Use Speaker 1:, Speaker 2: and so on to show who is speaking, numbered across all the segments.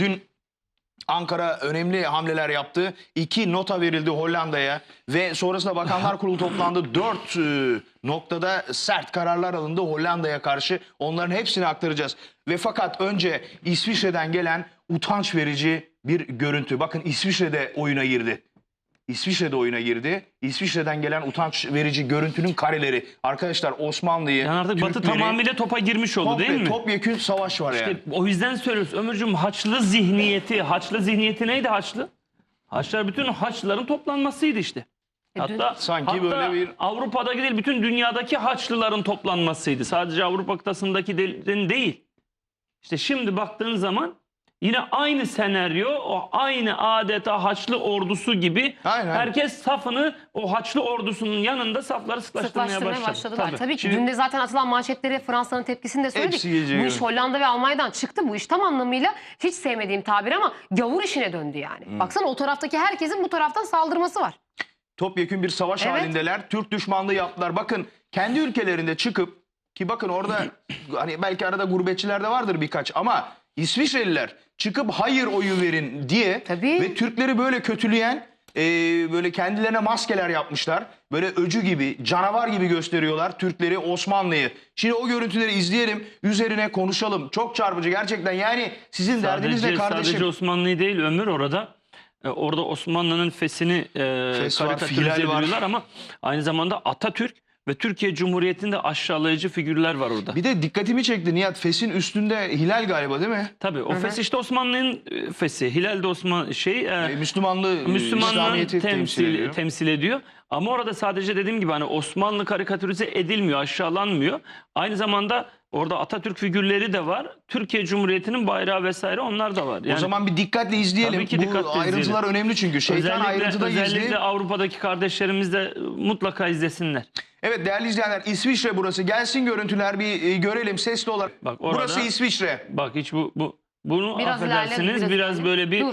Speaker 1: dün Ankara önemli hamleler yaptı. 2 nota verildi Hollanda'ya ve sonrasında Bakanlar Kurulu toplandı. 4 noktada sert kararlar alındı Hollanda'ya karşı. Onların hepsini aktaracağız. Ve fakat önce İsviçre'den gelen utanç verici bir görüntü. Bakın İsviçre'de oyuna girdi. İsviçre'de oyuna girdi. İsviçre'den gelen utanç verici görüntünün kareleri. Arkadaşlar Osmanlı'yı,
Speaker 2: Yani artık Batı
Speaker 1: Türkleri,
Speaker 2: tamamıyla topa girmiş oldu değil mi?
Speaker 1: topyekün savaş var yani.
Speaker 2: O yüzden söylüyoruz Ömürcüğüm, Haçlı zihniyeti neydi Haçlı? Haçlar bütün Haçlıların toplanmasıydı işte. Hatta
Speaker 1: böyle bir
Speaker 2: Avrupa'daki değil, bütün dünyadaki Haçlıların toplanmasıydı. Sadece Avrupa kıtasındakilerin değil. İşte şimdi baktığın zaman yine aynı senaryo, o aynı adeta Haçlı ordusu gibi
Speaker 1: Aynen.
Speaker 2: herkes safını o Haçlı ordusunun yanında safları sıklaştırmaya
Speaker 3: başladılar. Tabii ki
Speaker 2: Şimdi,
Speaker 3: dün de zaten atılan manşetleri Fransa'nın tepkisini de söyledik. Bu iş Hollanda ve Almanya'dan çıktı. Bu iş tam anlamıyla hiç sevmediğim tabir ama gavur işine döndü yani. Baksana o taraftaki herkesin bu taraftan saldırması var.
Speaker 1: Topyekün bir savaş halindeler. Türk düşmanlığı yaptılar. Bakın kendi ülkelerinde çıkıp ki bakın orada hani belki arada gurbetçiler de vardır birkaç ama İsviçreliler çıkıp hayır oyu verin diye ve Türkleri böyle kötüleyen böyle kendilerine maskeler yapmışlar. Böyle öcü gibi, canavar gibi gösteriyorlar Türkleri, Osmanlı'yı. Şimdi o görüntüleri izleyelim, üzerine konuşalım. Çok çarpıcı gerçekten. Yani sizin derdiniz ne kardeşim?
Speaker 2: Sadece Osmanlı değil Ömür orada. Orada Osmanlı'nın fesini karikatürize ediyorlar ama aynı zamanda Atatürk ve Türkiye Cumhuriyeti'nde aşağılayıcı figürler var orada.
Speaker 1: Bir de dikkatimi çekti Nihat, fesin üstünde hilal galiba değil mi?
Speaker 2: Tabii o fes işte Osmanlı'nın fesi. Hilal de Müslümanlığın temsil ediyor. Ama orada sadece dediğim gibi hani Osmanlı karikatürize edilmiyor, aşağılanmıyor. Aynı zamanda orada Atatürk figürleri de var. Türkiye Cumhuriyeti'nin bayrağı vesaire onlar da var. Yani,
Speaker 1: o zaman bir dikkatle izleyelim.
Speaker 2: Tabii ki dikkatle
Speaker 1: Bu ayrıntılar
Speaker 2: izleyelim.
Speaker 1: önemli çünkü. Şeytan ayrıntıda gizli.
Speaker 2: Özellikle Avrupa'daki kardeşlerimiz de mutlaka izlesinler.
Speaker 1: Evet değerli izleyenler, İsviçre burası. Gelsin görüntüler bir görelim sesli olarak.
Speaker 2: Bak orada,
Speaker 1: burası İsviçre.
Speaker 2: Bak hiç bunu
Speaker 3: biraz
Speaker 2: affedersiniz biraz böyle bir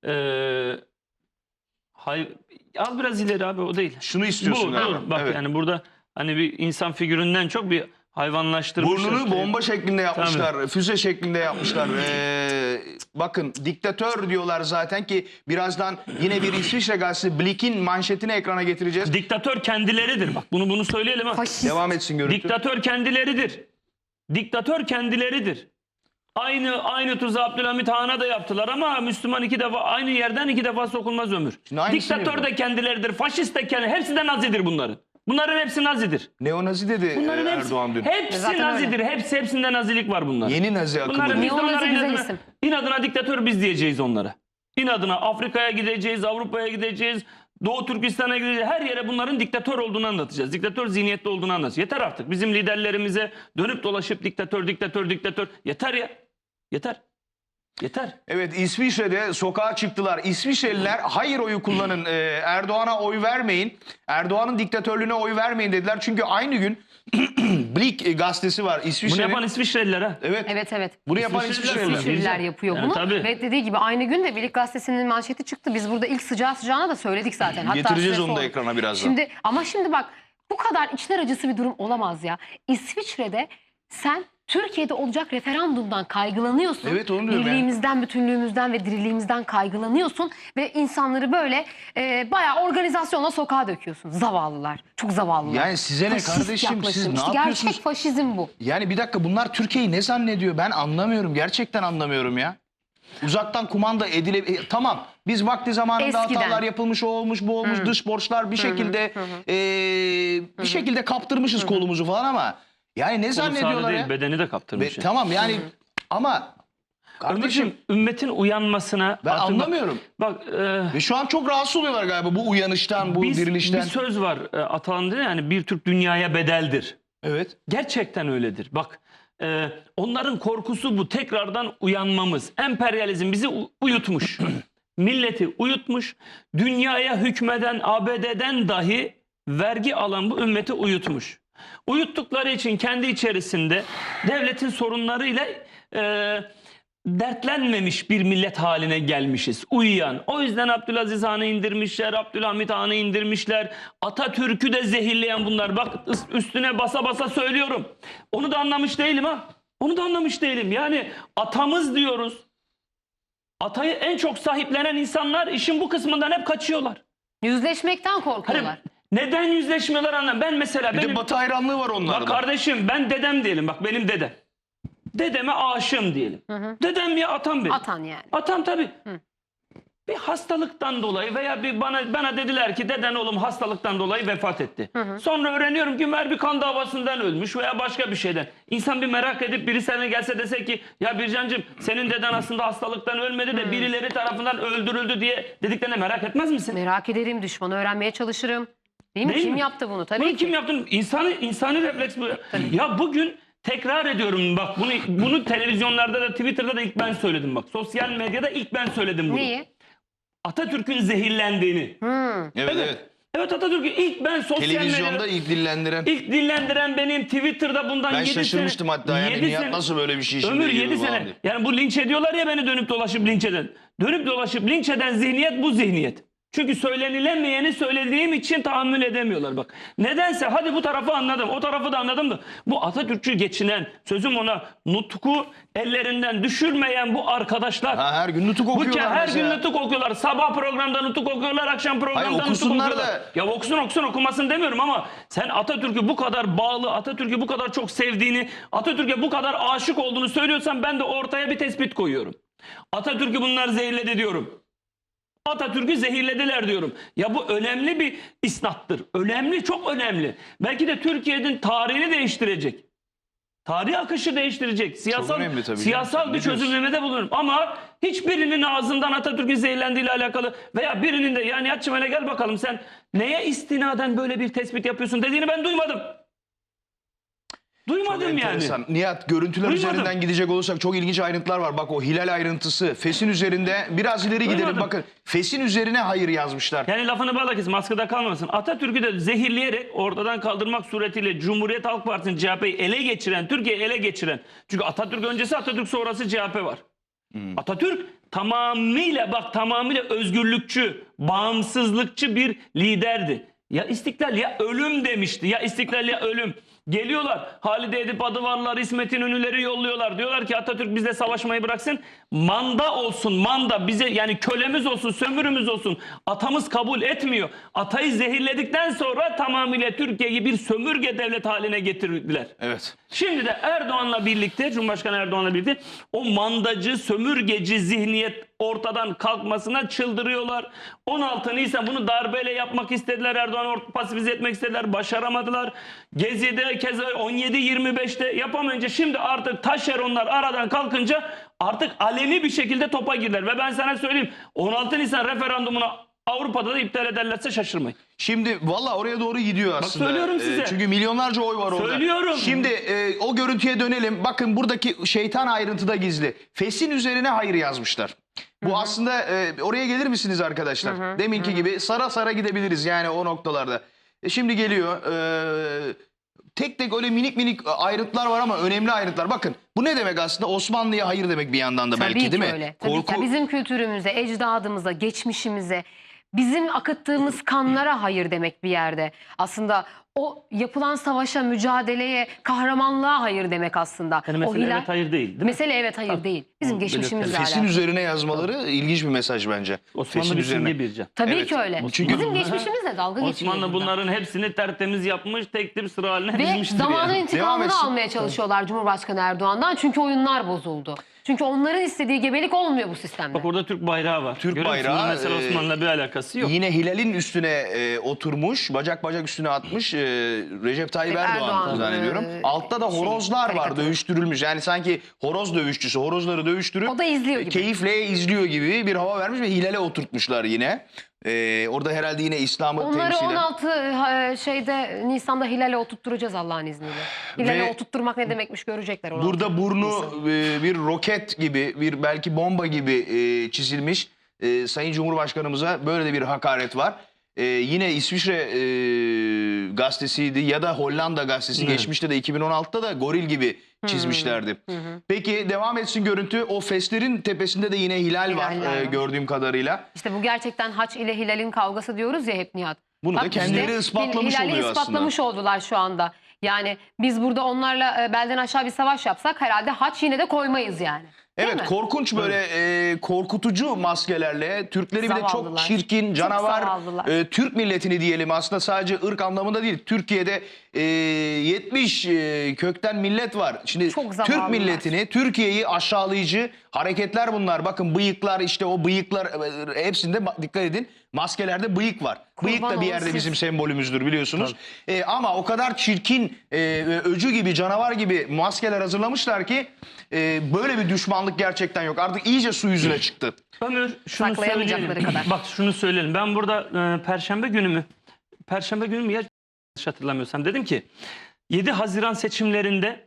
Speaker 2: al biraz ileri abi, o değil.
Speaker 1: Şunu istiyorsun galiba.
Speaker 2: Bak evet. Yani burada hani bir insan figüründen çok bir hayvanlaştırmışlar.
Speaker 1: Burnunu bomba şeklinde yapmışlar. Tabii. Füze şeklinde yapmışlar. Bakın diktatör diyorlar zaten ki birazdan yine bir İsviçre gazetesi Blick'in manşetini ekrana getireceğiz.
Speaker 2: Diktatör kendileridir. Bak bunu söyleyelim ha.
Speaker 1: Devam etsin görüntü.
Speaker 2: Diktatör kendileridir. Diktatör kendileridir. Aynı tuzağı Abdülhamit Han'a da yaptılar ama Müslüman aynı yerden 2 defa sokulmaz Ömür. Diktatör de kendileridir. Faşist de kendileri. Hepsi de Nazidir bunların. Bunların hepsi Nazidir.
Speaker 1: Neonazi dedi Erdoğan dün.
Speaker 2: Hepsi Nazidir. Hepsinde Nazilik var bunların.
Speaker 1: Yeni Nazi akımı.
Speaker 3: Neonazi
Speaker 2: inadına diktatör biz diyeceğiz onlara. İnadına Afrika'ya gideceğiz, Avrupa'ya gideceğiz, Doğu Türkistan'a gideceğiz. Her yere bunların diktatör olduğunu anlatacağız. Diktatör zihniyetli olduğunu anlatacağız. Yeter artık. Bizim liderlerimize dönüp dolaşıp diktatör. Yeter ya. Yeter.
Speaker 1: Evet, İsviçre'de sokağa çıktılar. İsviçreliler hayır oyu kullanın. Erdoğan'a oy vermeyin. Erdoğan'ın diktatörlüğüne oy vermeyin dediler. Çünkü aynı gün Blick gazetesi var İsviçre'nin.
Speaker 2: Bunu yapan İsviçreliler ha.
Speaker 3: Evet.
Speaker 1: Bunu yapan
Speaker 3: İsviçreliler yapıyor bunu.
Speaker 2: Tabii.
Speaker 3: Ve dediği gibi aynı gün de Blick gazetesinin manşeti çıktı. Biz burada ilk sıcağına da söyledik zaten. Hatta
Speaker 1: getireceğiz onu da ekrana birazdan.
Speaker 3: Şimdi bak bu kadar içler acısı bir durum olamaz ya. İsviçre'de sen Türkiye'de olacak referandumdan kaygılanıyorsun.
Speaker 1: Evet, onu diyorum
Speaker 3: Birliğimizden, bütünlüğümüzden ve diriliğimizden kaygılanıyorsun. Ve insanları böyle bayağı organizasyonla sokağa döküyorsun. Zavallılar. Çok zavallılar.
Speaker 1: Yani size ne kardeşim? Siz ne yapıyorsunuz?
Speaker 3: Gerçek faşizm bu.
Speaker 1: Yani bir dakika, bunlar Türkiye'yi ne zannediyor? Ben anlamıyorum. Gerçekten anlamıyorum ya. Uzaktan kumanda tamam, biz vakti zamanında hatalar yapılmış, o olmuş, bu olmuş, dış borçlar bir şekilde bir şekilde kaptırmışız kolumuzu falan ama yani ne zannediyorlar ya?
Speaker 2: Bedeni de kaptırmış.
Speaker 1: Tamam yani ama kardeşim
Speaker 2: ümmetin uyanmasına
Speaker 1: ben anlamıyorum. Ve şu an çok rahatsız oluyorlar galiba bu uyanıştan, bu dirilişten.
Speaker 2: Bir söz var Atalan'da, yani bir Türk dünyaya bedeldir.
Speaker 1: Evet.
Speaker 2: Gerçekten öyledir. Bak onların korkusu bu, tekrardan uyanmamız. Emperyalizm bizi uyutmuş. Milleti uyutmuş. Dünyaya hükmeden ABD'den dahi vergi alan bu ümmeti uyutmuş. Uyuttukları için kendi içerisinde devletin sorunlarıyla dertlenmemiş bir millet haline gelmişiz. Uyuyan. O yüzden Abdülaziz Han'ı indirmişler, Abdülhamit Han'ı indirmişler. Atatürk'ü de zehirleyen bunlar. Bak üstüne basa basa söylüyorum. Onu da anlamış değilim ha. Onu da anlamış değilim. Yani atamız diyoruz. Atayı en çok sahiplenen insanlar işin bu kısmından hep kaçıyorlar.
Speaker 3: Yüzleşmekten
Speaker 2: Hani
Speaker 3: korkuyorlar.
Speaker 2: neden yüzleşmiyorlar anlamıyorum. Ben mesela
Speaker 1: Bir de Batı hayranlığı var onlarda.
Speaker 2: bak kardeşim, ben dedem diyelim, bak benim dedem. Dedeme aşığım diyelim. Dedem ya atam benim.
Speaker 3: Atan yani.
Speaker 2: Atam tabii. Bir hastalıktan dolayı veya bana dediler ki deden oğlum hastalıktan dolayı vefat etti. Sonra öğreniyorum ki meğer bir kan davasından ölmüş veya başka bir şeyden. İnsan bir merak edip biri sana gelse dese ki ya Bircancığım senin deden aslında hastalıktan ölmedi de birileri tarafından öldürüldü diye dediklerine merak etmez misin?
Speaker 3: Merak ederim, düşmanı öğrenmeye çalışırım. Değil mi?
Speaker 2: Değil
Speaker 3: Kim
Speaker 2: mi?
Speaker 3: yaptı bunu? Tabii
Speaker 2: Bunu
Speaker 3: ki.
Speaker 2: kim yaptı? İnsani refleks bu. Ya bugün tekrar ediyorum bak bunu televizyonlarda da Twitter'da da ilk ben söyledim bak. Sosyal medyada ilk ben söyledim bunu.
Speaker 3: Neyi?
Speaker 2: Atatürk'ün zehirlendiğini.
Speaker 1: Evet.
Speaker 2: Evet Atatürk'ü ilk ben sosyal
Speaker 1: Televizyonda
Speaker 2: medyada
Speaker 1: ilk dillendiren.
Speaker 2: dillendiren benim, Twitter'da bundan
Speaker 1: Ben
Speaker 2: 7 sene.
Speaker 1: şaşırmıştım hatta yani
Speaker 2: 7
Speaker 1: Nihat
Speaker 2: sene-
Speaker 1: nasıl böyle bir şey şimdi
Speaker 2: Ömür
Speaker 1: giriyor
Speaker 2: 7
Speaker 1: falan
Speaker 2: sene.
Speaker 1: diye.
Speaker 2: Yani bu linç ediyorlar ya beni dönüp dolaşıp linç eden. Dönüp dolaşıp linç eden zihniyet bu zihniyet. Çünkü söylenilemeyeni söylediğim için tahammül edemiyorlar bak. Nedense hadi bu tarafı anladım, o tarafı da anladım da bu Atatürkçü geçinen, sözüm ona nutku ellerinden düşürmeyen bu arkadaşlar.
Speaker 1: Ha, her gün nutuk okuyorlar
Speaker 2: Her
Speaker 1: mesela.
Speaker 2: gün nutuk okuyorlar. Sabah programda nutuk okuyorlar, akşam programda
Speaker 1: Hayır,
Speaker 2: nutuk
Speaker 1: okusunlar
Speaker 2: okuyorlar.
Speaker 1: da.
Speaker 2: Ya okusun okumasın demiyorum ama sen Atatürk'ü bu kadar bağlı, Atatürk'ü bu kadar çok sevdiğini, Atatürk'e bu kadar aşık olduğunu söylüyorsan ben de ortaya bir tespit koyuyorum. Atatürk'ü bunlar zehirledi diyorum. Atatürk'ü zehirlediler diyorum. Ya bu önemli bir isnattır. Önemli, çok önemli. Belki de Türkiye'nin tarihini değiştirecek. Tarih akışı değiştirecek.
Speaker 1: önemli tabii
Speaker 2: Siyasal
Speaker 1: canım.
Speaker 2: bir
Speaker 1: Ne diyorsun?
Speaker 2: çözümlemede bulunurum. Ama hiçbirinin ağzından Atatürk'ün zehirlendiğiyle alakalı veya birinin de yani Nihat'cığım hele gel bakalım sen neye istinaden böyle bir tespit yapıyorsun dediğini ben duymadım. Duymadım yani.
Speaker 1: Enteresan. Nihat, görüntüler
Speaker 2: Duymadım.
Speaker 1: üzerinden gidecek olursak çok ilginç ayrıntılar var. Bak o hilal ayrıntısı. Fes'in üzerinde biraz ileri gidelim.
Speaker 2: Duymadım.
Speaker 1: Bakın Fes'in üzerine hayır yazmışlar.
Speaker 2: Yani lafını bağla kes, maskıda kalmasın. Atatürk'ü de zehirleyerek ortadan kaldırmak suretiyle Cumhuriyet Halk Partisi'nin CHP'yi ele geçiren, Türkiye'yi ele geçiren. Çünkü Atatürk öncesi, Atatürk sonrası CHP var. Atatürk tamamıyla özgürlükçü, bağımsızlıkçı bir liderdi. Ya istiklal ya ölüm demişti. Ya istiklal ya ölüm. Geliyorlar. Halide Edip Adıvarlar, İsmet İnönü'leri yolluyorlar. Diyorlar ki Atatürk bizle savaşmayı bıraksın. Manda olsun, manda bize yani kölemiz olsun, sömürümüz olsun. Atamız kabul etmiyor. Atayı zehirledikten sonra tamamıyla Türkiye'yi bir sömürge devlet haline getirdiler.
Speaker 1: Evet.
Speaker 2: Şimdi de Erdoğan'la birlikte, Cumhurbaşkanı Erdoğan'la birlikte o mandacı, sömürgeci zihniyet ortadan kalkmasına çıldırıyorlar. 16 Nisan bunu darbeyle yapmak istediler. Erdoğan'ı pasifize etmek istediler. Başaramadılar. Gezi'de keza 17-25'te yapamayınca şimdi artık taşeronlar aradan kalkınca artık aleni bir şekilde topa girdiler. Ve ben sana söyleyeyim 16 Nisan referandumunu Avrupa'da da iptal ederlerse şaşırmayın.
Speaker 1: Şimdi valla oraya doğru gidiyor aslında.
Speaker 2: söylüyorum size.
Speaker 1: Çünkü milyonlarca oy var orada.
Speaker 2: Söylüyorum.
Speaker 1: Şimdi o görüntüye dönelim. Bakın buradaki şeytan ayrıntıda gizli. Fes'in üzerine hayır yazmışlar. Bu aslında oraya gelir misiniz arkadaşlar? Deminki gibi sara sara gidebiliriz yani o noktalarda. Şimdi geliyor. Tek tek öyle minik minik ayrıntılar var ama önemli ayrıntılar. Bakın bu ne demek aslında? Osmanlı'ya hayır demek bir yandan da belki
Speaker 3: Tabii
Speaker 1: değil
Speaker 3: ki
Speaker 1: mi?
Speaker 3: öyle. Tabii ki. Bizim kültürümüze, ecdadımıza, geçmişimize, bizim akıttığımız kanlara hayır demek bir yerde. Aslında o yapılan savaşa, mücadeleye, kahramanlığa hayır demek aslında.
Speaker 2: Yani
Speaker 3: o
Speaker 2: mesele evet hayır değil mi?
Speaker 3: Mesele evet hayır değil. Bizim geçmişimizle
Speaker 1: Fes'in
Speaker 3: alakalı.
Speaker 1: üzerine yazmaları ilginç bir mesaj bence.
Speaker 2: Osmanlı
Speaker 1: Fes'in
Speaker 2: bir
Speaker 1: üzerine.
Speaker 2: simge bir can.
Speaker 3: Tabii
Speaker 1: Evet.
Speaker 3: ki öyle.
Speaker 1: Çünkü-
Speaker 3: Bizim geçmişimizle dalga geçiliyor.
Speaker 2: Osmanlı
Speaker 3: burada.
Speaker 2: bunların hepsini tertemiz yapmış, tek tip sıra haline
Speaker 3: Ve
Speaker 2: dizmiştir
Speaker 3: zamanın
Speaker 2: yani.
Speaker 3: intikamını
Speaker 1: etsin.
Speaker 3: almaya çalışıyorlar Cumhurbaşkanı Erdoğan'dan. Çünkü oyunlar bozuldu. Çünkü onların istediği gebelik olmuyor bu sistemde.
Speaker 2: Bak orada Türk bayrağı var.
Speaker 1: Türk
Speaker 2: Görüyor musun?
Speaker 1: bayrağı,
Speaker 2: Mesela Osmanlı'la bir alakası yok.
Speaker 1: Yine Hilal'in üstüne oturmuş, bacak üstüne atmış Recep Tayyip Erdoğan
Speaker 3: Erdoğan,
Speaker 1: zannediyorum. Altta da horozlar var
Speaker 3: karikatür.
Speaker 1: dövüştürülmüş. Yani sanki horoz dövüşçüsü horozları dövüştürüp
Speaker 3: O da izliyor gibi.
Speaker 1: keyifle izliyor gibi bir hava vermiş ve Hilal'e oturtmuşlar yine. Orada herhalde yine İslam'ı
Speaker 3: Onları
Speaker 1: temsilen.
Speaker 3: 16 Nisan'da Hilal'e oturtturacağız Allah'ın izniyle. Hilal'e
Speaker 1: Ve
Speaker 3: oturtturmak ne demekmiş görecekler. 16
Speaker 1: Burada burnu
Speaker 3: Nisan.
Speaker 1: bir roket gibi, bir belki bomba gibi çizilmiş. Sayın Cumhurbaşkanımıza böyle de bir hakaret var. Yine İsviçre gazetesiydi ya da Hollanda gazetesi geçmişte de 2016'da da goril gibi çizmişlerdi. Peki devam etsin görüntü. O feslerin tepesinde de yine hilal var
Speaker 3: var.
Speaker 1: gördüğüm kadarıyla.
Speaker 3: İşte bu gerçekten haç ile Hilal'in kavgası diyoruz ya hep Nihat.
Speaker 1: Bunu da kendileri ispatlamış
Speaker 3: Hilal'i
Speaker 1: oluyor
Speaker 3: ispatlamış oldular şu anda. Yani biz burada onlarla belden aşağı bir savaş yapsak herhalde haç yine de koymayız yani.
Speaker 1: Evet,
Speaker 3: mi?
Speaker 1: korkunç böyle korkutucu maskelerle Türkleri bile çok
Speaker 3: Zavallılar.
Speaker 1: çirkin,
Speaker 3: Çok
Speaker 1: canavar,
Speaker 3: zavallılar.
Speaker 1: Türk milletini diyelim, aslında sadece ırk anlamında değil. Türkiye'de 70 kökten millet var. Şimdi
Speaker 3: Çok
Speaker 1: Türk
Speaker 3: zavallılar.
Speaker 1: milletini, Türkiye'yi aşağılayıcı hareketler bunlar. Bakın bıyıklar, işte o bıyıklar, hepsinde dikkat edin, maskelerde bıyık var. Bıyık
Speaker 3: Kurban
Speaker 1: da bir
Speaker 3: olun
Speaker 1: yerde
Speaker 3: siz.
Speaker 1: bizim sembolümüzdür biliyorsunuz. Ama o kadar çirkin, öcü gibi, canavar gibi maskeler hazırlamışlar ki böyle bir düşmanlık gerçekten yok. Artık iyice su yüzüne çıktı.
Speaker 2: Ömür şunu
Speaker 3: Saklayamayacakları
Speaker 2: söyleyelim.
Speaker 3: kadar.
Speaker 2: Bak şunu söyleyelim. Ben burada Perşembe günü mü ya yanlış hatırlamıyorsam dedim ki 7 Haziran seçimlerinde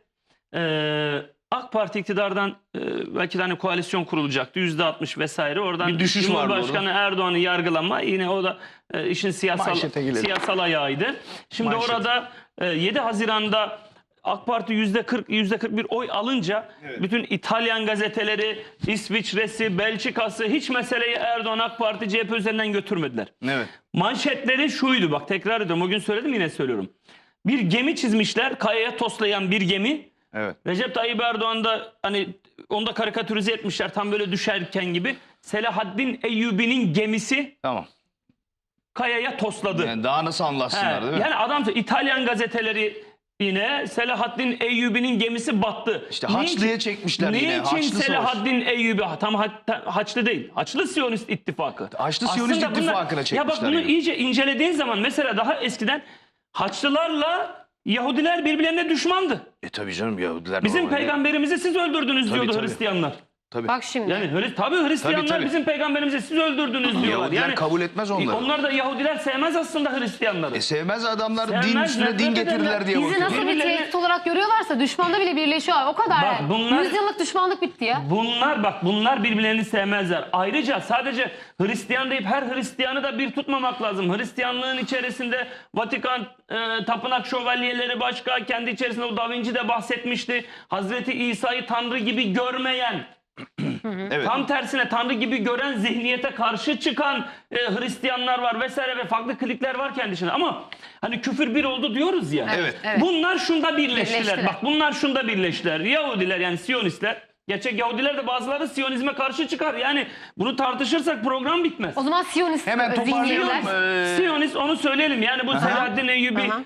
Speaker 2: AK Parti iktidardan belki de hani koalisyon kurulacaktı. %60 vesaire. Oradan
Speaker 1: Bir düşüş vardı
Speaker 2: Cumhurbaşkanı Erdoğan'ı yargılama, yine o da işin
Speaker 1: Manşete girelim.
Speaker 2: siyasal ayağıydı. Şimdi
Speaker 1: Manşet.
Speaker 2: orada 7 Haziran'da AK Parti %40, %41 oy alınca bütün İtalyan gazeteleri, İsviçre'si, Belçika'sı hiç meseleyi Erdoğan, AK Parti, CHP üzerinden götürmediler.
Speaker 1: Evet.
Speaker 2: Manşetleri şuydu, bak tekrar ediyorum, o gün söyledim yine söylüyorum. Bir gemi çizmişler, kayaya toslayan bir gemi.
Speaker 1: Evet.
Speaker 2: Recep Tayyip Erdoğan da hani onu da karikatürize etmişler tam böyle düşerken gibi. Selahaddin Eyyubi'nin gemisi
Speaker 1: Tamam.
Speaker 2: kayaya tosladı.
Speaker 1: Yani daha nasıl anlatsınlar, değil mi?
Speaker 2: Yani adam İtalyan gazeteleri yine Selahaddin Eyyubi'nin gemisi battı.
Speaker 1: İşte Haçlı'ya çekmişler yine.
Speaker 2: Niçin
Speaker 1: Haçlı Savaş.
Speaker 2: Selahaddin Eyyubi tam Haçlı değil. Haçlı Siyonist İttifakı.
Speaker 1: Haçlı Siyonist
Speaker 2: Aslında bunlar-
Speaker 1: İttifakı'na
Speaker 2: Ya
Speaker 1: çekmişler
Speaker 2: bak bunu
Speaker 1: yine.
Speaker 2: iyice incelediğin zaman mesela daha eskiden Haçlılarla Yahudiler birbirlerine düşmandı.
Speaker 1: Tabii canım, Yahudiler
Speaker 2: Bizim
Speaker 1: normalde-
Speaker 2: peygamberimizi siz öldürdünüz
Speaker 1: Tabii,
Speaker 2: diyordu
Speaker 1: tabii.
Speaker 2: Hristiyanlar.
Speaker 1: Tabii.
Speaker 3: Bak şimdi.
Speaker 2: Yani tabii Hristiyanlar
Speaker 1: Tabii.
Speaker 2: bizim peygamberimizi siz öldürdünüz diyorlar.
Speaker 1: Yahudiler
Speaker 2: Yani
Speaker 1: kabul etmez onları.
Speaker 2: onlar da Yahudiler sevmez aslında Hristiyanları.
Speaker 1: Sevmez adamlar,
Speaker 2: Sevmez,
Speaker 1: din üstüne
Speaker 2: nefret
Speaker 1: din
Speaker 2: ederler.
Speaker 1: getirdiler diye
Speaker 3: Bizi
Speaker 1: bakıyor.
Speaker 3: nasıl bir
Speaker 2: Birbirlerine-
Speaker 3: tehdit olarak görüyorlarsa düşmanda bile birleşiyor. O kadar.
Speaker 2: Bak
Speaker 3: yani.
Speaker 2: bunlar-
Speaker 3: 100 yıllık düşmanlık bitti ya.
Speaker 2: Bunlar birbirlerini sevmezler. Ayrıca sadece Hristiyan deyip her Hristiyanı da bir tutmamak lazım. Hristiyanlığın içerisinde Vatikan tapınak şövalyeleri başka, kendi içerisinde o Da Vinci de bahsetmişti. Hazreti İsa'yı Tanrı gibi görmeyen,
Speaker 1: Evet.
Speaker 2: tam tersine Tanrı gibi gören zihniyete karşı çıkan Hristiyanlar var vesaire ve farklı klikler var kendi içinde. Ama hani küfür bir oldu diyoruz ya.
Speaker 1: Evet.
Speaker 3: Evet.
Speaker 2: Bunlar şunda birleştiler.
Speaker 3: Birleştiler.
Speaker 2: Bak bunlar şunda birleştiler. Yahudiler yani Siyonistler. Gerçek Yahudiler de bazıları Siyonizme karşı çıkar. Yani bunu tartışırsak program bitmez.
Speaker 3: O zaman Siyonist
Speaker 1: Hemen toparlayalım.
Speaker 3: zihniyetler.
Speaker 2: Siyonist onu söyleyelim. Yani bu Selahaddin Eyyubi
Speaker 3: Aha.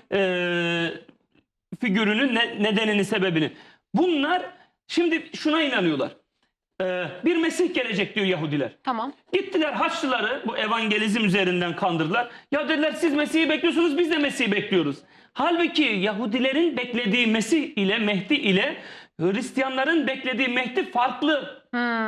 Speaker 2: figürünün nedenini, sebebini. Bunlar şimdi şuna inanıyorlar. Bir Mesih gelecek diyor Yahudiler.
Speaker 3: Tamam.
Speaker 2: Gittiler Haçlıları bu evangelizm üzerinden kandırdılar. Ya dediler siz Mesih'i bekliyorsunuz, biz de Mesih'i bekliyoruz. Halbuki Yahudilerin beklediği Mesih ile Mehdi ile Hristiyanların beklediği Mehdi farklı.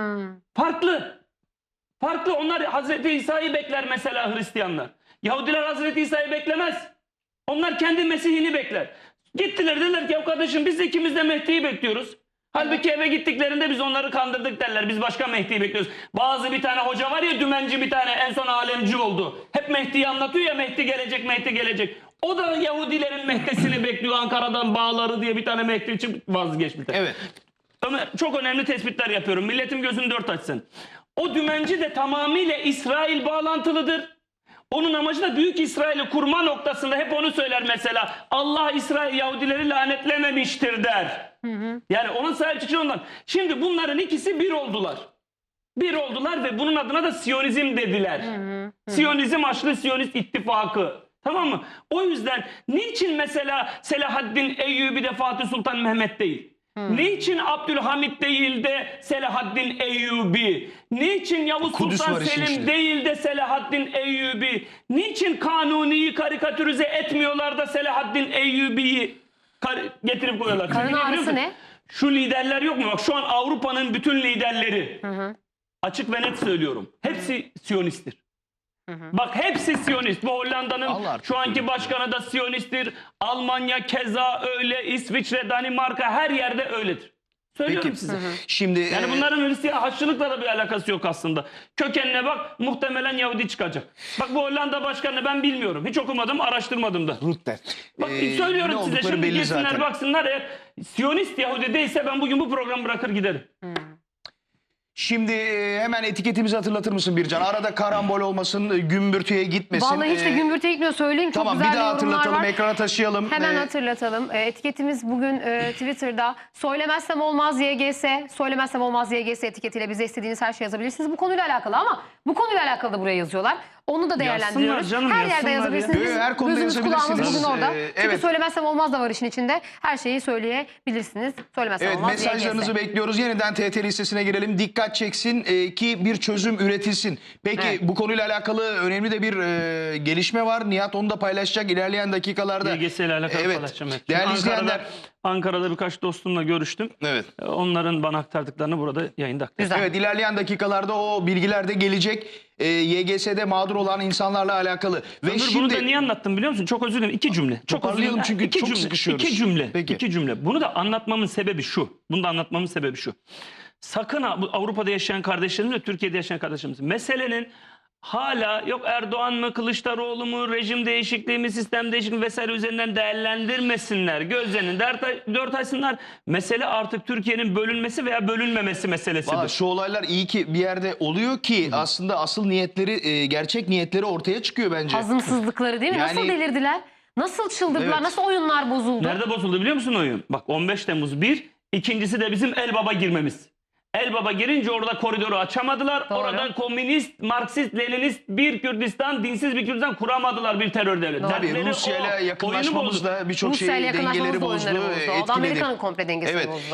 Speaker 2: Farklı. Farklı. Onlar Hazreti İsa'yı bekler mesela Hristiyanlar. Yahudiler Hazreti İsa'yı beklemez. Onlar kendi Mesih'ini bekler. Gittiler dediler ki ya kardeşim biz ikimiz de Mehdi'yi bekliyoruz. Halbuki eve gittiklerinde biz onları kandırdık derler. Biz başka Mehdi'yi bekliyoruz. Bazı bir tane hoca var ya dümenci bir tane en son alemci oldu. Hep Mehdi'yi anlatıyor ya Mehdi gelecek Mehdi gelecek. O da Yahudilerin Mehdi'sini bekliyor. Ankara'dan bağları diye bir tane Mehdi için vazgeçmişler.
Speaker 1: Evet.
Speaker 2: Ömer, çok önemli tespitler yapıyorum. Milletim gözünü dört açsın. O dümenci de tamamıyla İsrail bağlantılıdır. Onun amacı da Büyük İsrail'i kurma noktasında hep onu söyler mesela. Allah İsrail Yahudileri lanetlememiştir der. Yani onun sahip çıkışı ondan. Şimdi bunların ikisi bir oldular. Bir oldular ve bunun adına da Siyonizm dediler. Siyonizm Haçlı Siyonist İttifakı. Tamam mı? O yüzden niçin mesela Selahaddin Eyyubi de Fatih Sultan Mehmet değil? Niçin Abdülhamit değil de Selahaddin Eyyubi? Niçin Yavuz
Speaker 1: Kudüs
Speaker 2: Sultan
Speaker 1: var işin
Speaker 2: Selim
Speaker 1: içinde.
Speaker 2: değil de Selahaddin Eyyubi? Niçin Kanuni'yi karikatürize etmiyorlar da Selahaddin Eyyubi'yi getirip koyuyorlar?
Speaker 3: Karın
Speaker 2: Çünkü
Speaker 3: ağrısı
Speaker 2: biliyor musun?
Speaker 3: ne?
Speaker 2: Şu liderler yok mu? Bak şu an Avrupa'nın bütün liderleri açık ve net söylüyorum. Hepsi Siyonisttir. Bak hepsi Siyonist. Bu Hollanda'nın
Speaker 1: Allah artık
Speaker 2: şu anki başkanı da Siyonisttir. Almanya keza öyle. İsviçre, Danimarka her yerde öyledir. Söylüyorum
Speaker 1: Peki.
Speaker 2: size.
Speaker 1: Şimdi
Speaker 2: Yani bunların Hristiyan Haçlılıkla da bir alakası yok aslında. Kökenine bak muhtemelen Yahudi çıkacak. Bak bu Hollanda başkanı ben bilmiyorum. Hiç okumadım, araştırmadım da.
Speaker 1: Rutte.
Speaker 2: Bak
Speaker 1: Ne
Speaker 2: söylüyorum size
Speaker 1: oldukları
Speaker 2: şimdi
Speaker 1: belli
Speaker 2: gitsinler
Speaker 1: zaten.
Speaker 2: baksınlar eğer Siyonist Yahudi değilse ben bugün bu programı bırakır giderim.
Speaker 1: Şimdi hemen etiketimizi hatırlatır mısın Bircan? Arada karambol olmasın, gümbürtüye gitmesin.
Speaker 3: Vallahi hiç de gümbürtüye gitmiyor, söyleyeyim. Çok
Speaker 1: Tamam,
Speaker 3: güzel
Speaker 1: bir daha
Speaker 3: yorumlar
Speaker 1: hatırlatalım,
Speaker 3: var.
Speaker 1: ekrana taşıyalım.
Speaker 3: Hemen hatırlatalım. Etiketimiz bugün Twitter'da söylemezsem olmaz YGS, söylemezsem olmaz YGS etiketiyle bize istediğiniz her şeyi yazabilirsiniz. Bu konuyla alakalı ama bu konuyla alakalı da buraya yazıyorlar. Onu da değerlendiriyoruz.
Speaker 2: Yazsınlar canım,
Speaker 3: her yerde
Speaker 2: yazsınlar
Speaker 3: yazabilirsiniz.
Speaker 1: ya.
Speaker 3: Bizim
Speaker 1: Her konuda
Speaker 3: gözümüz kulağımız
Speaker 1: yazabilirsiniz.
Speaker 3: bugün orada. Çünkü
Speaker 1: Evet.
Speaker 3: söylemezsem olmaz da var işin içinde. Her şeyi söyleyebilirsiniz. Söylemezsem
Speaker 1: Evet,
Speaker 3: olmaz
Speaker 1: mesajlarınızı
Speaker 3: YGS.
Speaker 1: bekliyoruz. Yeniden TRT listesine girelim. Dikkat çeksin ki bir çözüm üretilsin. Peki
Speaker 3: Evet.
Speaker 1: bu konuyla alakalı önemli de bir gelişme var. Nihat onu da paylaşacak ilerleyen dakikalarda.
Speaker 2: YGS ile alakalı
Speaker 1: Evet.
Speaker 2: paylaşacağım. Evet.
Speaker 1: Değerli
Speaker 2: Ankara'da,
Speaker 1: izleyenler.
Speaker 2: Ankara'da birkaç dostumla görüştüm.
Speaker 1: Evet.
Speaker 2: Onların bana aktardıklarını burada yayında aktaracağım.
Speaker 3: Güzel.
Speaker 1: Evet, ilerleyen dakikalarda o bilgiler de gelecek. YGS'de mağdur olan insanlarla alakalı. Ve
Speaker 2: Ömür,
Speaker 1: şimdi
Speaker 2: bunu da niye anlattım biliyor musun? Çok özür dilerim. 2 cümle. Çok özür
Speaker 1: Toparlayalım
Speaker 2: dilerim.
Speaker 1: çünkü
Speaker 2: İki
Speaker 1: çok
Speaker 2: cümle,
Speaker 1: sıkışıyoruz.
Speaker 2: 2 cümle.
Speaker 1: Peki.
Speaker 2: 2 cümle. Bunu da anlatmamın sebebi şu. Bunu da anlatmamın sebebi şu. Sakın bu Avrupa'da yaşayan kardeşlerimiz ve Türkiye'de yaşayan kardeşlerimiz. Meselenin hala yok Erdoğan mı, Kılıçdaroğlu mu, rejim değişikliği mi, sistem değişikliği mi vesaire üzerinden değerlendirmesinler. Gözlerini dört açsınlar. Mesele artık Türkiye'nin bölünmesi veya bölünmemesi meselesidir.
Speaker 1: Valla şu olaylar iyi ki bir yerde oluyor ki aslında asıl niyetleri, gerçek niyetleri ortaya çıkıyor bence.
Speaker 3: Hazımsızlıkları değil mi?
Speaker 1: Yani-
Speaker 3: Nasıl delirdiler? Nasıl çıldırdılar?
Speaker 1: Evet.
Speaker 3: Nasıl oyunlar bozuldu?
Speaker 2: Nerede bozuldu biliyor musun oyun? Bak 15 Temmuz 1, ikincisi de bizim Elbaba girmemiz. Elbaba girince orada koridoru açamadılar.
Speaker 3: Doğru.
Speaker 2: Orada komünist, Marksist, Leninist bir Kürdistan, dinsiz bir Kürdistan kuramadılar bir terör devleti.
Speaker 3: Doğru.
Speaker 1: Tabii
Speaker 2: Dertleri
Speaker 1: Rusya'yla
Speaker 2: o. Oyunu
Speaker 1: yakınlaşmamız
Speaker 2: bozdu.
Speaker 1: da birçok
Speaker 3: Rusya'yla
Speaker 1: şeyi
Speaker 3: yakınlaşmamız
Speaker 1: dengeleri
Speaker 3: da
Speaker 1: bozdu,
Speaker 3: oyunları bozdu. O da
Speaker 1: etkiledi.
Speaker 3: Amerika'nın komple dengesini
Speaker 1: Evet.
Speaker 3: bozdu.